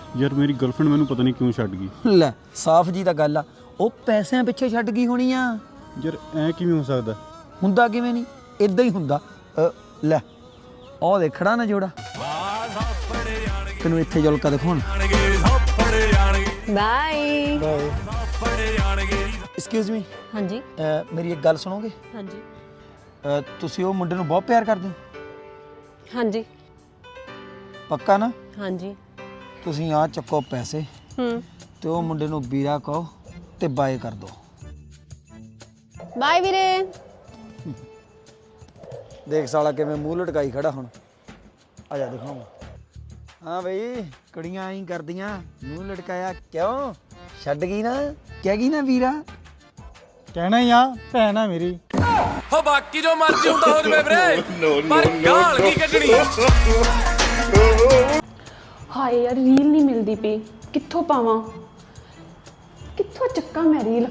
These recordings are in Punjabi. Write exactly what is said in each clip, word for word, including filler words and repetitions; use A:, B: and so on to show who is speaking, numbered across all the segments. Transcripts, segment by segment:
A: ਯਾਰ ਮੇਰੀ ਗਰਲਫ੍ਰੈਂਡ ਮੈਨੂੰ ਪਤਾ ਨਹੀਂ ਕਿਉਂ ਛੱਡ ਗਈ।
B: ਲੈ ਸਾਫ਼ ਜੀ ਤਾਂ ਗੱਲ ਆ, ਉਹ ਪੈਸਿਆਂ ਪਿੱਛੇ ਛੱਡ ਗਈ ਹੋਣੀ ਆ।
A: ਯਾਰ ਐ ਕਿਵੇਂ ਹੋ ਸਕਦਾ?
B: ਹੁੰਦਾ ਕਿਵੇਂ ਨਹੀਂ, ਇਦਾਂ ਹੀ ਹੁੰਦਾ। ਅ, ਲੈ ਉਹ ਦੇਖੜਾ ਨਾ ਜੋੜਾ, ਤੈਨੂੰ ਇੱਥੇ ਜੁਲਕਾ ਦਿਖਾਉਣ।
C: Bye
B: bye. Excuse me.
C: ਹਾਂਜੀ
B: ਮੇਰੀ ਇੱਕ ਗੱਲ ਸੁਣੋਗੇ?
C: ਹਾਂਜੀ
B: ਅ, ਤੁਸੀਂ ਉਹ ਮੁੰਡੇ ਨੂੰ ਬਹੁਤ ਪਿਆਰ ਕਰਦੇ ਹੋ?
C: ਹਾਂਜੀ
B: ਪੱਕਾ ਨਾ?
C: ਹਾਂਜੀ
B: ਤੁਸੀਂ ਆ ਚੱਕੋ ਪੈਸੇ
C: ਹੂੰ
B: ਤੇ ਉਹ ਮੁੰਡੇ ਨੂੰ ਵੀਰਾ ਕਹੋ ਤੇ ਬਾਏ ਕਰ ਦਿਓ।
C: ਬਾਏ ਵੀਰੇ।
B: ਦੇਖ ਸਾਲਾ ਕਿਵੇਂ ਮੂੰਹ ਲਟਕਾਈ ਖੜਾ ਹੁਣ। ਆ ਜਾ ਦਿਖਾਵਾਂ। ਹਾਂ ਬਈ, ਕੁੜੀਆਂ ਐਂ ਕਰਦੀਆਂ, ਮੂੰਹ ਲਟਕਾਇਆ ਕਿਉਂ? ਛੱਡ ਗਈ ਨਾ, ਕਹਿ ਗਈ ਨਾ ਵੀਰਾ।
D: ਕਹਿਣਾ ਹੀ ਆ, ਭੈਣ ਆ ਮੇਰੀ।
E: ਹੋ ਬਾਕੀ ਜੋ ਮਰਜ਼ੀ ਹੁੰਦਾ ਹੋ ਜਵੇ ਵੀਰੇ, ਪਰ ਗਾਲ ਕੀ ਕੱਢਣੀ।
F: ਹਾਏ ਯਾਰ ਰੀਲ ਨਹੀਂ ਮਿਲਦੀ ਪਈ, ਕਿੱਥੋਂ ਪਾਵਾਂ, ਕਿੱਥੋਂ ਚੱਕਾਂ ਮੈਂ ਰੀਲ,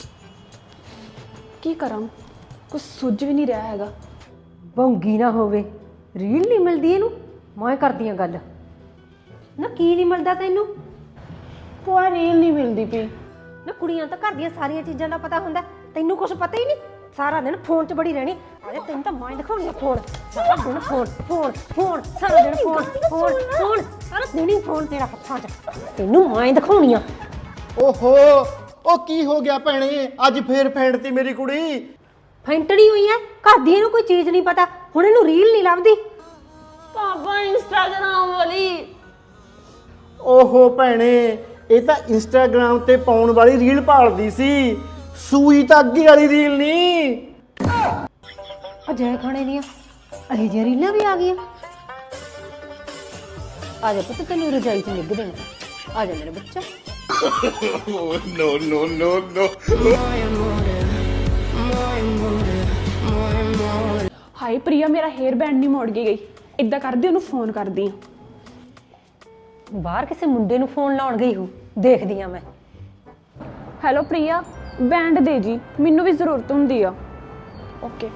F: ਕੀ ਕਰਾਂ, ਕੁਝ ਸੁੱਝ ਵੀ ਨਹੀਂ ਰਿਹਾ ਹੈਗਾ।
C: ਭੌਂਗੀ ਨਾ ਹੋਵੇ, ਰੀਲ ਨਹੀਂ ਮਿਲਦੀ ਇਹਨੂੰ, ਮੈਂ ਕਰਦੀ ਆ ਗੱਲ ਨਾ। ਕੀ ਨਹੀਂ ਮਿਲਦਾ ਤੈਨੂੰ?
F: ਭੂਆ ਰੀਲ ਨਹੀਂ ਮਿਲਦੀ ਪਈ।
C: ਨਾ ਕੁੜੀਆਂ ਤਾਂ ਘਰ ਦੀਆਂ ਸਾਰੀਆਂ ਚੀਜ਼ਾਂ ਦਾ ਪਤਾ ਹੁੰਦਾ, ਤੈਨੂੰ ਕੁਝ ਪਤਾ ਹੀ ਨਹੀਂ। ਸਾਰਾ ਦਿਨ ਫੋਨ 'ਚ ਬੜੀ ਰਹਿਣੀ। ਅਰੇ ਤੈਨੂੰ ਤਾਂ ਮੈਂ ਦਿਖਾਉਣੀ ਆ ਫੋਨ, ਸਾਰਾ ਦਿਨ ਫੋਨ ਫੋਨ ਫੋਨ, ਸਾਰਾ ਦਿਨ ਫੋਨ ਫੋਨ ਫੋਨ, ਸਾਰਾ ਦਿਨ ਹੀ ਫੋਨ ਤੇਰਾ ਹੱਥਾਂ 'ਚ। ਤੈਨੂੰ ਮੈਂ ਦਿਖਾਉਣੀ ਆ।
D: ਓਹੋ, ਉਹ ਕੀ ਹੋ ਗਿਆ ਭੈਣੇ, ਅੱਜ ਫੇਰ ਫੈਂਟਤੀ ਮੇਰੀ ਕੁੜੀ।
C: ਫੈਂਟਣੀ ਹੋਈ ਐ, ਘਰ ਦੀ ਇਹਨੂੰ ਕੋਈ ਚੀਜ਼ ਨਹੀਂ ਪਤਾ, ਹੁਣ ਇਹਨੂੰ ਰੀਲ ਨਹੀਂ ਲੱਭਦੀ।
F: ਪਾਪਾ ਇੰਸਟਾਗ੍ਰਾਮ ਵਾਲੀ।
D: ਓਹੋ ਭੈਣੇ, ਇਹ ਤਾਂ ਇੰਸਟਾਗ੍ਰਾਮ ਤੇ ਪਾਉਣ ਵਾਲੀ ਰੀਲ ਭਾਲਦੀ ਸੀ, ਸੂਈ ਤਾਂ ਅੱਗੇ ਵਾਲੀ ਰੀਲ ਨਹੀਂ।
C: ਅਜੇ ਖਾਣੇ ਦੀਆਂ ਅਹੀ ਜਿਹੀ ਰੀਲਾਂ ਵੀ ਆ ਗਈਆਂ। ਆ ਜਾ ਪੁੱਤ, ਤੈਨੂੰ ਰਜਾਈ 'ਚ ਨਿੱਘ ਦੇਣਾ। ਆ ਜਾ ਮੇਰਾ ਬੱਚਾ।
E: ਨੋ ਨੋ ਨੋ ਨੋ।
F: ਹਾਏ ਪ੍ਰਿਆ, ਮੇਰਾ ਹੇਅਰ ਬੈਂਡ ਨਹੀਂ ਮੋੜ ਕੇ ਗਈ। ਇੱਦਾਂ ਕਰਦੀ, ਉਹਨੂੰ ਫੋਨ ਕਰਦੀ ਆ।
C: ਬਾਹਰ ਕਿਸੇ ਮੁੰਡੇ ਨੂੰ ਫੋਨ ਲਾਉਣ ਗਈ ਹੋ, ਦੇਖਦੀ ਆ ਮੈਂ।
F: ਹੈਲੋ ਪ੍ਰਿਆ, ਬੈਂਡ ਦੇ ਜੀ, ਮੈਨੂੰ ਵੀ ਜ਼ਰੂਰਤ ਹੁੰਦੀ ਆ। ਓਕੇ।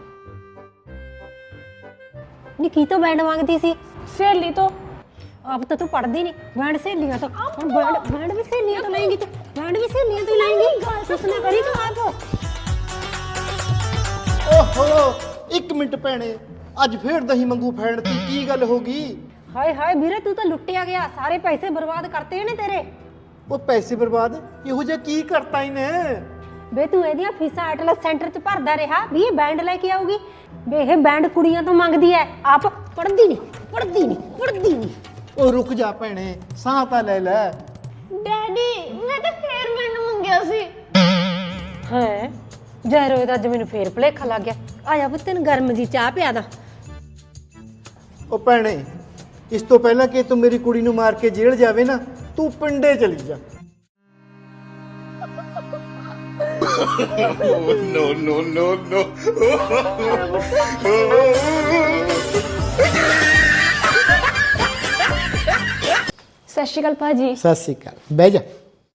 C: ਨੀ ਕੀ ਤੋਂ ਬੈਂਡ ਮੰਗਦੀ ਸੀ?
F: ਸਹੇਲੀ ਤੋਂ।
C: ਆਪ ਤਾਂ ਤੂੰ ਪੜ੍ਹਦੀ ਨਹੀਂ, ਬੈਂਡ ਸਹੇਲੀਆਂ ਤੋਂ। ਹੁਣ ਬੈਂਡ ਬੈਂਡ ਵੀ ਸਹੇਲੀਆਂ ਤੋਂ ਲੈਂਗੀ ਤੂੰ, ਬੈਂਡ ਵੀ ਸਹੇਲੀਆਂ ਤੋਂ ਲੈਂਗੀ। ਕੁਛ ਨਾ ਕਰੀ ਤੂੰ ਆਪ।
D: ਓਹੋ, ਇੱਕ ਮਿੰਟ ਭੈਣੇ, ਅੱਜ ਫੇਰ ਦਹੀਂ ਮੰਗੂ ਫੈਂਟਤੀ, ਕੀ ਗੱਲ ਹੋ ਗਈ?
C: ਹਾਏ ਹਾਏ ਵੀਰੇ, ਤੂੰ ਤਾਂ ਲੁੱਟਿਆ ਗਿਆ, ਸਾਰੇ ਪੈਸੇ ਬਰਬਾਦ ਕਰਤੇ ਨੇ ਤੇਰੇ।
D: ਉਹ ਪੈਸੇ ਬਰਬਾਦ ਇਹੋ ਜਿਹਾ ਕੀ ਕਰਤਾ ਇਹਨੇ?
C: ਵੇ ਤੂੰ ਇਹਦੀਆਂ ਫੀਸਾਂ ਐਟਲਸ ਸੈਂਟਰ 'ਚ ਭਰਦਾ ਰਿਹਾ ਵੀ ਇਹ ਬੈਂਡ ਲੈ ਕੇ ਆਊਗੀ। ਵੇ ਇਹ ਬੈਂਡ ਕੁੜੀਆਂ ਤੋਂ ਮੰਗਦੀ ਐ, ਆਪ ਪੜ੍ਹਦੀ ਨਹੀਂ ਪੜ੍ਹਦੀ ਨਹੀਂ ਪੜ੍ਹਦੀ ਨਹੀਂ।
D: ਉਹ ਰੁਕ ਜਾ ਭੈਣੇ, ਸਾਹ ਤਾਂ ਲੈ ਲੈ।
F: ਡੈਡੀ, ਮੈਂ ਤਾਂ ਹੇਅਰ ਬੈਂਡ ਮੰਗਿਆ ਸੀ।
C: ਹੈ ਜ਼ਹਿਰੋ ਦਾ ਅੱਜ ਮੈਨੂੰ ਫੇਰ ਭੁਲੇਖਾ ਲੱਗ ਗਿਆ। ਆ ਜਾ ਪੁੱਤ, ਤੈਨੂੰ ਗਰਮ ਜੀ ਚਾਹ ਪਿਆ ਦਾ।
D: ਉਹ ਭੈਣੇ, ਇਸ ਤੋਂ ਪਹਿਲਾਂ ਕਿ ਤੂੰ ਮੇਰੀ ਕੁੜੀ ਨੂੰ ਮਾਰ ਕੇ ਜੇਲ੍ਹ ਜਾਵੇ ਨਾ, ਤੂੰ ਪਿੰਡੇ ਚਲੀ ਜਾ।
E: ਨੋ ਨੋ ਨੋ ਨੋ।
F: ਸਤਿ ਸ਼੍ਰੀ ਅਕਾਲ ਭਾਜੀ।
D: ਸਤਿ ਸ਼੍ਰੀ ਅਕਾਲ, ਬਹਿ ਜਾ।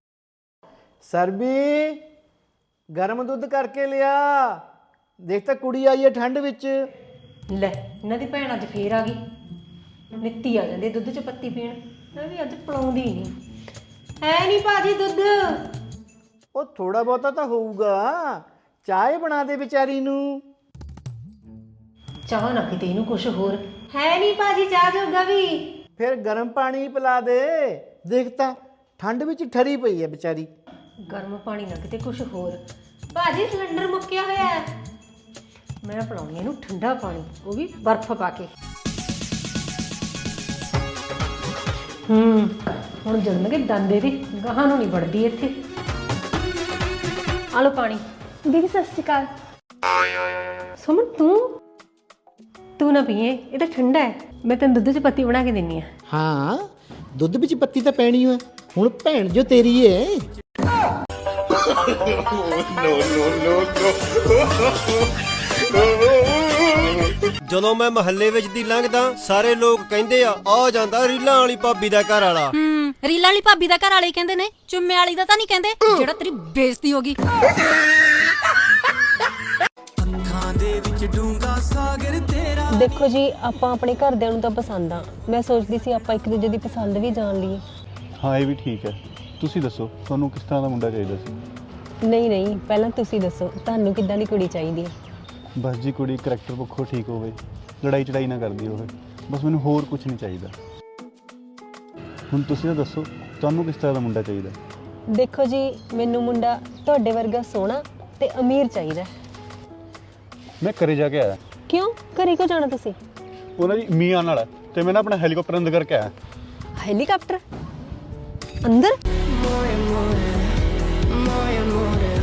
D: ਸਰਬੀ, ਗਰਮ ਦੁੱਧ ਕਰਕੇ ਲਿਆ। ਦੇਖ ਤਾਂ ਕੁੜੀ ਆਈ ਹੈ ਠੰਡ ਵਿੱਚ।
C: ਲੈ ਇਹਨਾਂ ਦੀ ਭੈਣ ਅੱਜ ਫੇਰ ਆ ਗਈ, ਨਿੱਤੀ ਆ ਜਾਂਦੀ ਦੁੱਧ 'ਚ ਪੱਤੀ ਪੀਣ। ਮੈਂ ਵੀ ਅੱਜ ਪਲਾਉਂਦੀ ਨਹੀਂ। ਹੈ ਨਹੀਂ ਭਾਜੀ ਦੁੱਧ?
D: ਉਹ ਥੋੜਾ ਬਹੁਤਾ ਤਾਂ ਹੋਊਗਾ, ਚਾਹ ਬਣਾ ਦੇ ਵਿਚਾਰੀ ਨੂੰ।
C: ਚਾਹ ਨਾ ਕਿਤੇ ਇਹਨੂੰ ਕੁਛ ਹੋਰ। ਹੈ ਨਹੀਂ ਭਾਜੀ ਚਾਹ ਜੋਗਾ ਵੀ।
D: ਫਿਰ ਗਰਮ ਪਾਣੀ ਪਿਲਾ ਦੇ। ਦੇਖ ਤਾਂ ਠੰਡ ਵਿੱਚ ਠਰੀ ਪਈ ਹੈ ਵਿਚਾਰੀ।
C: ਗਰਮ ਪਾਣੀ ਨਾ ਕਿਤੇ ਕੁਛ ਹੋਰ। ਭਾਜੀ ਸਿਲੰਡਰ ਮੁੱਕਿਆ ਹੋਇਆ ਹੈ, ਮੈਂ ਪਿਲਾਉਣੀ ਇਹਨੂੰ ਠੰਡਾ ਪਾਣੀ, ਉਹ ਵੀ ਬਰਫ਼ ਪਾ ਕੇ। ਹੂੰ ਹੁਣ ਜਨਮਗੇ ਦੰਦੇ ਦੀ ਗਾਹਾਂ ਨੂੰ ਨਹੀਂ ਵੜਦੀ ਇੱਥੇ। ਆ ਲਓ ਪਾਣੀ।
F: ਦੀਦੀ ਸਤਿ ਸ਼੍ਰੀ ਅਕਾਲ।
C: ਸੁਮਨ ਤੂੰ ਤੂੰ ਨਾ ਪੀਏ, ਇਹ ਤਾਂ ਠੰਡਾ ਹੈ। ਮੈਂ ਤੈਨੂੰ ਦੁੱਧ 'ਚ ਪੱਤੀ ਬਣਾ ਕੇ ਦਿੰਨੀ ਆ।
D: ਹਾਂ, ਦੁੱਧ ਵਿੱਚ ਪੱਤੀ ਤਾਂ ਪੈਣੀ ਹੈ। ਹੁਣ ਭੈਣ ਜੋ ਤੇਰੀ ਏ।
E: ਨੋ ਨੋ ਨੋ ਨੋ।
G: ਜਦੋਂ ਮੈਂ ਮਹੱਲੇ ਵਿੱਚ ਦੀ ਲੰਘਦਾ, ਸਾਰੇ ਲੋਕ ਕਹਿੰਦੇ ਆ ਆ ਜਾਂਦਾ ਰੀਲਾਂ ਵਾਲੀ ਭਾਬੀ ਦਾ ਘਰ ਵਾਲਾ।
H: ਹੂੰ, ਰੀਲਾਂ ਵਾਲੀ ਭਾਬੀ ਦਾ ਘਰ ਵਾਲੇ ਕਹਿੰਦੇ ਨੇ, ਚੁੰਮੇ ਵਾਲੀ ਦਾ ਤਾਂ ਨਹੀਂ ਕਹਿੰਦੇ, ਜਿਹੜਾ ਤੇਰੀ ਬੇਇੱਜ਼ਤੀ ਹੋ ਗਈ।
C: ਦੇਖੋ ਜੀ, ਆਪਾਂ ਆਪਣੇ ਘਰਦਿਆਂ ਨੂੰ ਤਾਂ ਪਸੰਦ ਆ। ਮੈਂ ਸੋਚਦੀ ਸੀ ਆਪਾਂ ਇੱਕ ਦੂਜੇ ਦੀ ਪਸੰਦ ਵੀ ਜਾਣ ਲਈਏ।
A: ਹਾਂ ਇਹ ਵੀ ਠੀਕ ਹੈ। ਤੁਸੀਂ ਦੱਸੋ ਤੁਹਾਨੂੰ ਕਿਸ ਤਰ੍ਹਾਂ ਦਾ ਮੁੰਡਾ ਚਾਹੀਦਾ ਸੀ?
I: ਨਹੀਂ ਨਹੀਂ ਪਹਿਲਾਂ ਤੁਸੀਂ ਦੱਸੋ ਤੁਹਾਨੂੰ ਕਿੱਦਾਂ ਦੀ ਕੁੜੀ ਚਾਹੀਦੀ ਹੈ?
A: ਬਸ ਜੀ ਕੁੜੀ ਕਰੈਕਟਰ ਪੱਖੋਂ ਠੀਕ ਹੋਵੇ, ਲੜਾਈ ਚੜਾਈ ਨਾ ਕਰਦੀ ਹੋਵੇ, ਬਸ ਮੈਨੂੰ ਹੋਰ ਕੁਝ ਨਹੀਂ ਚਾਹੀਦਾ। ਹੁਣ ਤੁਸੀਂ ਤਾਂ ਦੱਸੋ ਤੁਹਾਨੂੰ ਕਿਸ ਤਰ੍ਹਾਂ ਦਾ ਮੁੰਡਾ ਚਾਹੀਦਾ?
I: ਦੇਖੋ ਜੀ ਮੈਨੂੰ ਮੁੰਡਾ ਤੁਹਾਡੇ ਵਰਗਾ ਸੋਹਣਾ ਤੇ ਅਮੀਰ ਚਾਹੀਦਾ।
A: ਮੈਂ ਘਰੇ ਜਾ ਕੇ ਆਇਆ,
I: ਕਿਉਂ ਘਰੇ ਕਿਉਂ ਜਾਣਾ ਤੁਸੀਂ?
A: ਉਹਨਾਂ ਦੀ ਮੀਆਂ ਨਾਲ ਹੈ ਤੇ ਮੈਂ ਨਾ ਆਪਣਾ ਹੈਲੀਕਾਪਟਰ ਅੰਦਰ ਕਰਕੇ ਆਇਆ।
I: ਹੈਲੀਕਾਪਟਰ ਅੰਦਰ?
J: More and more, more and more.